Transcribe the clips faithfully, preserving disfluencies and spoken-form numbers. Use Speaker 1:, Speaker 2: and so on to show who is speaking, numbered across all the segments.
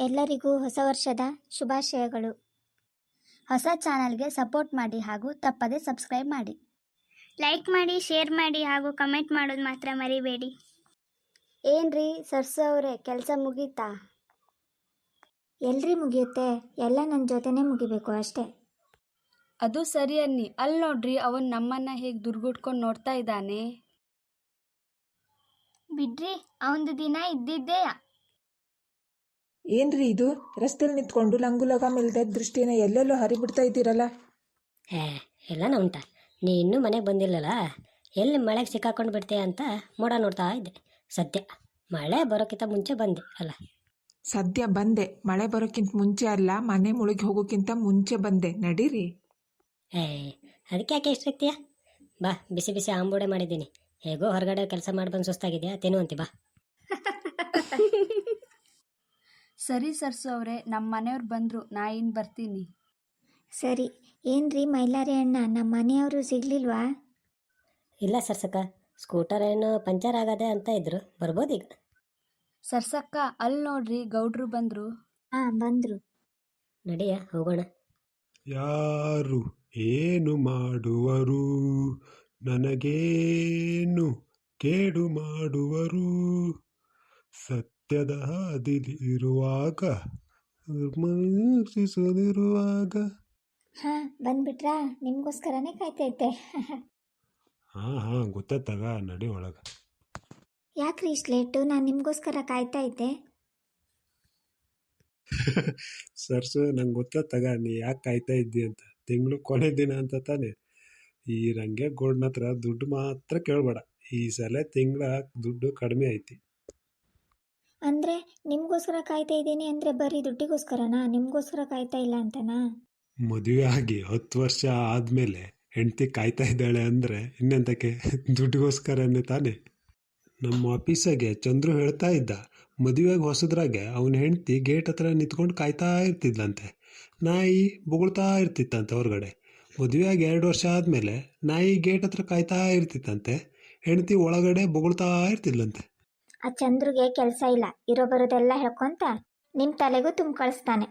Speaker 1: ಎಲ್ಲರಿಗೂ ಹೊಸ ವರ್ಷದ ಶುಭಾಶಯಗಳು. ಹೊಸ ಚಾನಲ್ಗೆ ಸಪೋರ್ಟ್ ಮಾಡಿ ಹಾಗೂ ತಪ್ಪದೆ ಸಬ್ಸ್ಕ್ರೈಬ್ ಮಾಡಿ.
Speaker 2: ಲೈಕ್ ಮಾಡಿ, ಶೇರ್ ಮಾಡಿ ಹಾಗೂ ಕಮೆಂಟ್ ಮಾಡೋದು ಮಾತ್ರ ಮರಿಬೇಡಿ.
Speaker 1: ಏನ್ರಿ ಸರ್ಸು ಅವರೇ, ಕೆಲಸ ಮುಗೀತಾ? ಎಲ್ರಿ ಮುಗಿಯುತ್ತೆ, ಎಲ್ಲ ನನ್ನ ಜೊತೆನೇ ಮುಗಿಬೇಕು ಅಷ್ಟೇ.
Speaker 3: ಅದು ಸರಿ ಅನ್ನಿ. ಅಲ್ಲಿ ನೋಡ್ರಿ, ಅವನ್ ನಮ್ಮನ್ನ ಹೇಗೆ ದುರ್ಗುಟ್ಕೊಂಡು ನೋಡ್ತಾ ಇದ್ದಾನೆ.
Speaker 2: ಬಿಡ್ರಿ, ಅವನದು ದಿನ ಇದ್ದಿದ್ದೇ.
Speaker 4: ಏನ್ರಿ ಇದು, ರಸ್ತೆಯಲ್ಲಿ ನಿಂತ್ಕೊಂಡು ಲಂಗುಲಗ ಮೇಲ್ದ ದೃಷ್ಟಿನ ಎಲ್ಲೆಲ್ಲೋ ಹರಿಬಿಡ್ತಾ ಇದ್ದೀರಲ್ಲ?
Speaker 5: ಹೇ ಎಲ್ಲನ ಉಂಟ, ನೀ ಇನ್ನೂ ಮನೆಗೆ ಬಂದಿಲ್ಲಲ್ಲ, ಎಲ್ಲಿ ಮಳೆಗೆ ಸಿಕ್ಕಾಕೊಂಡು ಬಿಡ್ತೀಯ ಅಂತ ಮೋಡ ನೋಡ್ತಾ ಇದ್ದೆ. ಸದ್ಯ ಮಳೆ ಬರೋಕ್ಕಿಂತ ಮುಂಚೆ ಬಂದೆ ಅಲ್ಲ.
Speaker 4: ಸದ್ಯ ಬಂದೆ, ಮಳೆ ಬರೋಕ್ಕಿಂತ ಮುಂಚೆ ಅಲ್ಲ, ಮನೆ ಮುಳುಗಿ ಹೋಗೋಕ್ಕಿಂತ ಮುಂಚೆ ಬಂದೆ. ನಡೀರಿ.
Speaker 5: ಏ ಅದಕ್ಕೆ ಯಾಕೆ ಇಷ್ಟಿರ್ತೀಯ? ಬಾ, ಬಿಸಿ ಬಿಸಿ ಆಂಬೂಡೆ ಮಾಡಿದ್ದೀನಿ. ಹೇಗೋ ಹೊರಗಡೆ ಕೆಲಸ ಮಾಡಿ ಬಂದು ಸುಸ್ತಾಗಿದೆಯಾ, ತಿನ್ನುವಂತಿ ಬಾ.
Speaker 3: ಸರಿ ಸರ್ಸು ಅವರೇ, ನಮ್ಮ ಮನೆಯವ್ರು ಬಂದರು, ನಾ ಇನ್ನು ಬರ್ತೀನಿ.
Speaker 1: ಸರಿ. ಏನ್ರಿ ಮೈಲಾರಿ ಅಣ್ಣ, ನಮ್ಮ ಮನೆಯವರು ಸಿಗ್ಲಿಲ್ವಾ?
Speaker 5: ಇಲ್ಲ ಸರ್ಸಕ್ಕ, ಸ್ಕೂಟರ್ ಏನು ಪಂಚರ್ ಆಗದೆ ಅಂತ ಇದ್ರು, ಬರ್ಬೋದೀಗ.
Speaker 3: ಸರ್ಸಕ್ಕ, ಅಲ್ಲಿ ನೋಡ್ರಿ, ಗೌಡ್ರು ಬಂದರು.
Speaker 1: ಹಾಂ, ಬಂದರು.
Speaker 5: ನಡಿಯ ಹೋಗೋಣ.
Speaker 6: ಯಾರು ಏನು ಮಾಡುವರು, ನನಗೇನು ಕೇಡು ಮಾಡುವರು, ಸತ್ಯದ ಹಾದಿಲಿರುವಾಗ ಮರ್ತಿಸದಿರುವಾಗ.
Speaker 1: ಹಾಂ, ಬಂದ್ಬಿಟ್ರಾ? ನಿಮಗೋಸ್ಕರನೇ ಕಾಯ್ತೈತೆ.
Speaker 6: ಹಾಂ ಹಾಂ ಗೊತ್ತಾಗ, ನಡಿ ಒಳಗೆ.
Speaker 1: ಯಾಕ್ರಿ ಇಷ್ಟು ಲೇಟು? ನಾನು ನಿಮಗೋಸ್ಕರ ಕಾಯ್ತಾ ಇದ್ದೆ.
Speaker 6: ಸರ್ಸು, ನಂಗೆ ಗೊತ್ತಾಗ ನೀ ಯಾಕೆ ಕಾಯ್ತಾ ಇದ್ದಿ ಅಂತ. ತಿಂಗಳು ಕೊನೆ ದಿನ ಅಂತ ತಾನೆ. ಈ ರಂಗೆ ಗೋಲ್ಡ್ನ ಹತ್ರ ದುಡ್ಡು ಮಾತ್ರ ಕೇಳಬೇಡ. ಈ ಸಲ ತಿಂಗಳ ದುಡ್ಡು ಕಡಿಮೆ ಐತಿ.
Speaker 1: ಅಂದರೆ ನಿಮಗೋಸ್ಕರ ಕಾಯ್ತಾ ಇದ್ದೀನಿ ಅಂದರೆ ಬರೀ ದುಡ್ಡಿಗೋಸ್ಕರನಾ? ನಿಮಗೋಸ್ಕರ ಕಾಯ್ತಾ ಇಲ್ಲ ಅಂತನಾ?
Speaker 6: ಮದುವೆ ಆಗಿ ಹತ್ತು ವರ್ಷ ಆದಮೇಲೆ ಹೆಂಡತಿ ಕಾಯ್ತಾ ಇದ್ದಾಳೆ ಅಂದರೆ ಇನ್ನೆಂತಕ್ಕೆ, ದುಡ್ಡಿಗೋಸ್ಕರನೇ ತಾನೆ. ನಮ್ಮ ಆಫೀಸಾಗೆ ಚಂದ್ರು ಹೇಳ್ತಾ ಇದ್ದ, ಮದುವೆಗೆ ಹೊಸದ್ರಾಗೆ ಅವನ ಹೆಂಡತಿ ಗೇಟ್ ಹತ್ರ ನಿಂತ್ಕೊಂಡು ಕಾಯ್ತಾ ಇರ್ತಿದ್ಲಂತೆ. ನಾಯಿ ಬೊಗಳ್ತಾ ಇರ್ತಿತ್ತಂತೆ ಹೊರಗಡೆ. ಮದುವೆಯಾಗಿ ಎರಡು ವರ್ಷ ಆದಮೇಲೆ ನಾಯಿ ಗೇಟ್ ಹತ್ರ ಕಾಯ್ತಾ ಇರ್ತಿತ್ತಂತೆ, ಹೆಂಡತಿ ಒಳಗಡೆ ಬೊಗಳ್ತಾ ಇರ್ತಿದ್ಲಂತೆ.
Speaker 1: ಆ ಚಂದ್ರಿಗೆ ಕೆಲಸ ಇಲ್ಲ, ಇರೋ ಬರೋದೆಲ್ಲ ಹೇಳ್ಕೊಂತ ನಿಮ್ಮ ತಲೆಗೂ ತುಂಬ ಕಳಿಸ್ತಾನೆ.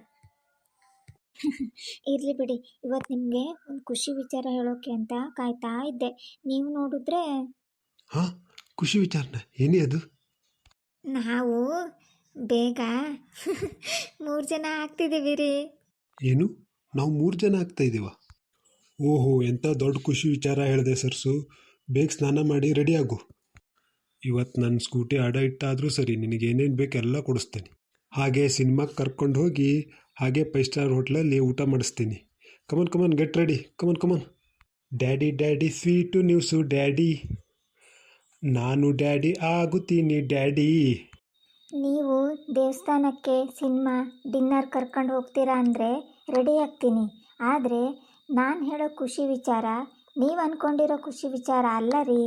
Speaker 1: ಇರಲಿ ಬಿಡಿ, ಇವತ್ತು ನಿಮಗೆ ಒಂದು ಖುಷಿ ವಿಚಾರ ಹೇಳೋಕೆ ಅಂತ ಕಾಯ್ತಾ ಇದ್ದೆ. ನೀವು ನೋಡಿದ್ರೆ
Speaker 6: ಹಾಂ, ಖುಷಿ ವಿಚಾರನ ಏನೇ ಅದು?
Speaker 1: ನಾವು ಬೇಗ ಮೂರು ಜನ ಆಗ್ತಿದ್ದೀವಿ ರೀ.
Speaker 6: ಏನು, ನಾವು ಮೂರು ಜನ ಆಗ್ತಾ ಇದ್ದೀವ? ಓಹೋ, ಎಂಥ ದೊಡ್ಡ ಖುಷಿ ವಿಚಾರ ಹೇಳಿದೆ ಸರ್ಸು. ಬೇಗ ಸ್ನಾನ ಮಾಡಿ ರೆಡಿ ಆಗು. ಇವತ್ತು ನನ್ನ ಸ್ಕೂಟಿ ಅಡ ಇಟ್ಟಾದರೂ ಸರಿ, ನಿನಗೆ ಏನೇನು ಬೇಕು ಎಲ್ಲ ಕೊಡಿಸ್ತೀನಿ. ಹಾಗೆ ಸಿನಿಮಾಗೆ ಕರ್ಕೊಂಡು ಹೋಗಿ ಹಾಗೆ ಫೈವ್ ಸ್ಟಾರ್ ಹೋಟ್ಲಲ್ಲಿ ಊಟ ಮಾಡಿಸ್ತೀನಿ. Come on come on get ready, come on come on. Daddy daddy sweet news daddy, ನಾನು ಡ್ಯಾಡಿ ಆಗುತ್ತೀನಿ ಡ್ಯಾಡಿ.
Speaker 1: ನೀವು ದೇವಸ್ಥಾನಕ್ಕೆ, ಸಿನಿಮಾ, ಡಿನ್ನರ್ ಕರ್ಕೊಂಡು ಹೋಗ್ತೀರಾ ಅಂದರೆ ರೆಡಿ ಆಗ್ತೀನಿ. ಆದರೆ ನಾನು ಹೇಳೋ ಖುಷಿ ವಿಚಾರ ನೀವು ಅಂದ್ಕೊಂಡಿರೋ ಖುಷಿ ವಿಚಾರ ಅಲ್ಲ ರೀ.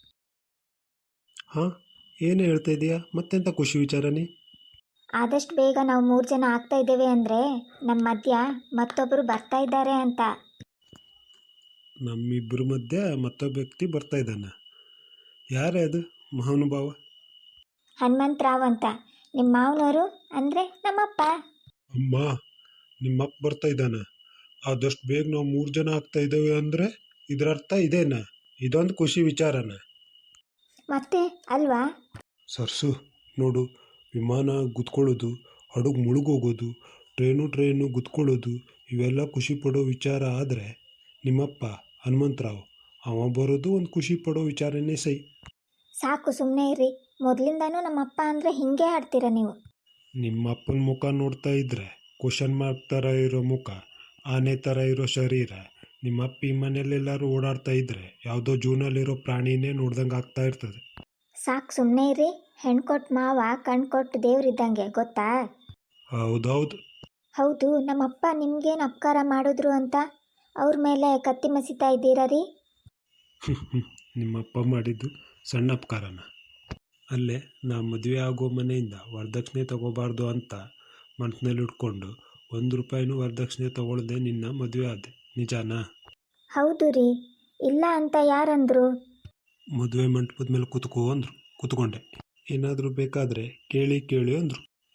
Speaker 6: ಹಾಂ, ಏನು ಹೇಳ್ತಾ ಇದೀಯಾ? ಮತ್ತೆಂಥ ಖುಷಿ ವಿಚಾರನೇ?
Speaker 1: ಆದಷ್ಟು ಬೇಗ ನಾವು ಮೂರು ಜನ ಆಗ್ತಾ ಇದ್ದೇವೆ ಅಂದರೆ ನಮ್ಮ ಮಧ್ಯ ಮತ್ತೊಬ್ಬರು ಬರ್ತಾ ಇದ್ದಾರೆ ಅಂತ.
Speaker 6: ನಮ್ಮಿಬ್ಬರ ಮಧ್ಯೆ ಮತ್ತೊಬ್ಬ ವ್ಯಕ್ತಿ ಬರ್ತಾ ಇದ್ದಾನೆ. ಯಾರೇ ಅದು ಮಹಾನುಭಾವ?
Speaker 1: ಹನುಮಂತರಾವ್ ಅಂತ, ನಿಮ್ಮ ಮಾವನವರು ಅಂದರೆ ನಮ್ಮಪ್ಪ.
Speaker 6: ಅಮ್ಮ, ನಿಮ್ಮಪ್ಪ ಬರ್ತಾ ಇದ್ದಾನೆ. ಆದಷ್ಟು ಬೇಗ ನಾವು ಮೂರು ಜನ ಆಗ್ತಾ ಇದ್ದೇವೆ ಅಂದರೆ ಇದರ ಅರ್ಥ ಇದೇನ? ಇದೊಂದು ಖುಷಿ ವಿಚಾರನ
Speaker 1: ಮತ್ತೆ ಅಲ್ವಾ?
Speaker 6: ಸರ್ಸು ನೋಡು, ವಿಮಾನ ಗುದ್ಕೊಳ್ಳೋದು, ಹಡಗು ಮುಳುಗೋಗೋದು, ಟ್ರೈನು ಟ್ರೈನು ಗುದ್ಕೊಳ್ಳೋದು, ಇವೆಲ್ಲ ಖುಷಿ ಪಡೋ ವಿಚಾರ. ಆದರೆ ನಿಮ್ಮಪ್ಪ ಹನುಮಂತರಾವ್ ಅವ ಬರೋದು ಒಂದು ಖುಷಿ ಪಡೋ ವಿಚಾರನೇ ಸೈ.
Speaker 1: ಸಾಕು, ಸುಮ್ಮನೆ ಇರ್ರಿ. ಮೊದಲಿಂದಾನೂ ನಮ್ಮಪ್ಪ ಅಂದರೆ ಹಿಂಗೆ ಆಡ್ತೀರ ನೀವು.
Speaker 6: ನಿಮ್ಮಪ್ಪನ ಮುಖ ನೋಡ್ತಾ ಇದ್ರೆ ಕ್ವಶನ್ ಮಾರ್ಕ್ ಥರ ಇರೋ ಮುಖ, ಆನೆ ಥರ ಇರೋ ಶರೀರ. ನಿಮ್ಮಪ್ಪ ಈ ಮನೆಯಲ್ಲೆಲ್ಲರೂ ಓಡಾಡ್ತಾ ಇದ್ರೆ ಯಾವುದೋ ಜೂನಲ್ಲಿರೋ ಪ್ರಾಣಿನೇ ನೋಡ್ದಂಗೆ ಆಗ್ತಾ ಇರ್ತದೆ.
Speaker 1: ಸಾಕು, ಸುಮ್ಮನೆ ಇರ್ರಿ. ಹೆಣ್ಕೊಟ್ಟು ಮಾವ ಕಣ್ಕೊಟ್ಟು ದೇವ್ರಿದ್ದಂಗೆ, ಗೊತ್ತಾ?
Speaker 6: ಹೌದೌದು.
Speaker 1: ಹೌದು, ನಮ್ಮಪ್ಪ ನಿಮ್ಗೇನು ಅಪಕಾರ ಮಾಡಿದ್ರು ಅಂತ ಅವ್ರ ಮೇಲೆ ಕತ್ತಿ ಮಸಿತಾ ಇದ್ದೀರಾ ರೀ?
Speaker 6: ನಿಮ್ಮಪ್ಪ ಮಾಡಿದ್ದು ಸಣ್ಣ ಅಪಕಾರನ? ಅಲ್ಲೇ ನಾ ಮದುವೆ ಆಗೋ ಮನೆಯಿಂದ ವರದಕ್ಷಿಣೆ ತಗೋಬಾರ್ದು ಅಂತ ಮನಸ್ಸಿನಲ್ಲಿ ಇಟ್ಕೊಂಡು ಒಂದು ರೂಪಾಯಿನೂ ವರದಕ್ಷಿಣೆ ತಗೊಳ್ದೆ ನಿನ್ನ ಮದುವೆ ಆದೆ, ನಿಜಾನಾ?
Speaker 1: ಹೌದು ರೀ. ಇಲ್ಲ ಅಂತ ಯಾರಂದ್ರು?
Speaker 6: ಮದುವೆ ಮಂಟಪದ ಮೇಲೆ ಕೂತ್ಕೋ ಅಂದರು, ಕೂತ್ಕೊಂಡೆ. ಏನಾದರೂ ಬೇಕಾದರೆ ಕೇಳಿ ಕೇಳಿ ಅಂದರು.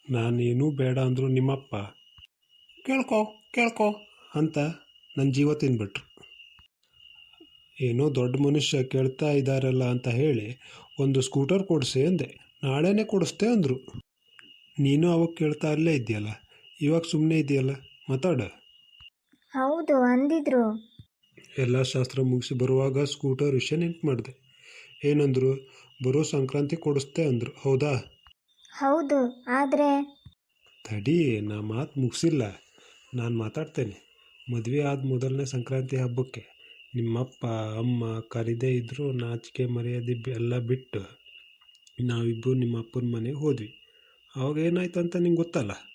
Speaker 6: ನಾನೇನೂ ಬೇಡ ಅಂದರು ನಿಮ್ಮಪ್ಪ ಕೇಳ್ಕೊ ಕೇಳ್ಕೊ ಅಂತ ನನ್ನ ಜೀವ ತಿಂದ್ಬಿಟ್ರು. ಏನೋ ದೊಡ್ಡ ಮನುಷ್ಯ ಕೇಳ್ತಾ ಇದ್ದಾರಲ್ಲ ಅಂತ ಹೇಳಿ ಒಂದು ಸ್ಕೂಟರ್ ಕೊಡಿಸಿ ಅಂದೆ. ನಾಳೆನೇ ಕೊಡಿಸ್ತೆ ಅಂದರು. ನೀನು ಅವಾಗ ಕೇಳ್ತಾ ಅಲ್ಲೇ ಇದೆಯಲ್ಲ, ಇವಾಗ ಸುಮ್ಮನೆ ಇದೆಯಲ್ಲ, ಮಾತಾಡ.
Speaker 1: ಹೌದು ಅಂದಿದ್ರು.
Speaker 6: ಎಲ್ಲ ಶಾಸ್ತ್ರ ಮುಗಿಸಿ ಬರುವಾಗ ಸ್ಕೂಟರ್ ವಿಷಯ ನೆನ್ಪು ಮಾಡಿದೆ. ಏನಂದರು? ಬರೋ ಸಂಕ್ರಾಂತಿ ಕೊಡಿಸ್ತೆ ಅಂದರು. ಹೌದಾ?
Speaker 1: ಹೌದು, ಆದರೆ
Speaker 6: ತಡಿ, ನಾ ಮಾತು ಮುಗಿಸಿಲ್ಲ. ನಾನು ಮಾತಾಡ್ತೇನೆ. ಮದುವೆ ಆದ ಮೊದಲನೇ ಸಂಕ್ರಾಂತಿ ಹಬ್ಬಕ್ಕೆ ನಿಮ್ಮಪ್ಪ ಅಮ್ಮ ಕರೀದೇ ಇದ್ದರೂ ನಾಚಿಕೆ ಮರ್ಯಾದೆ ಎಲ್ಲ ಬಿಟ್ಟು ನಾವಿಬ್ಬರು ನಿಮ್ಮ ಅಪ್ಪನ ಮನೆಗೆ ಹೋದ್ವಿ. ಅವಾಗ ಏನಾಯ್ತು ಅಂತ ನಿಂಗೆ ಗೊತ್ತಲ್ಲ.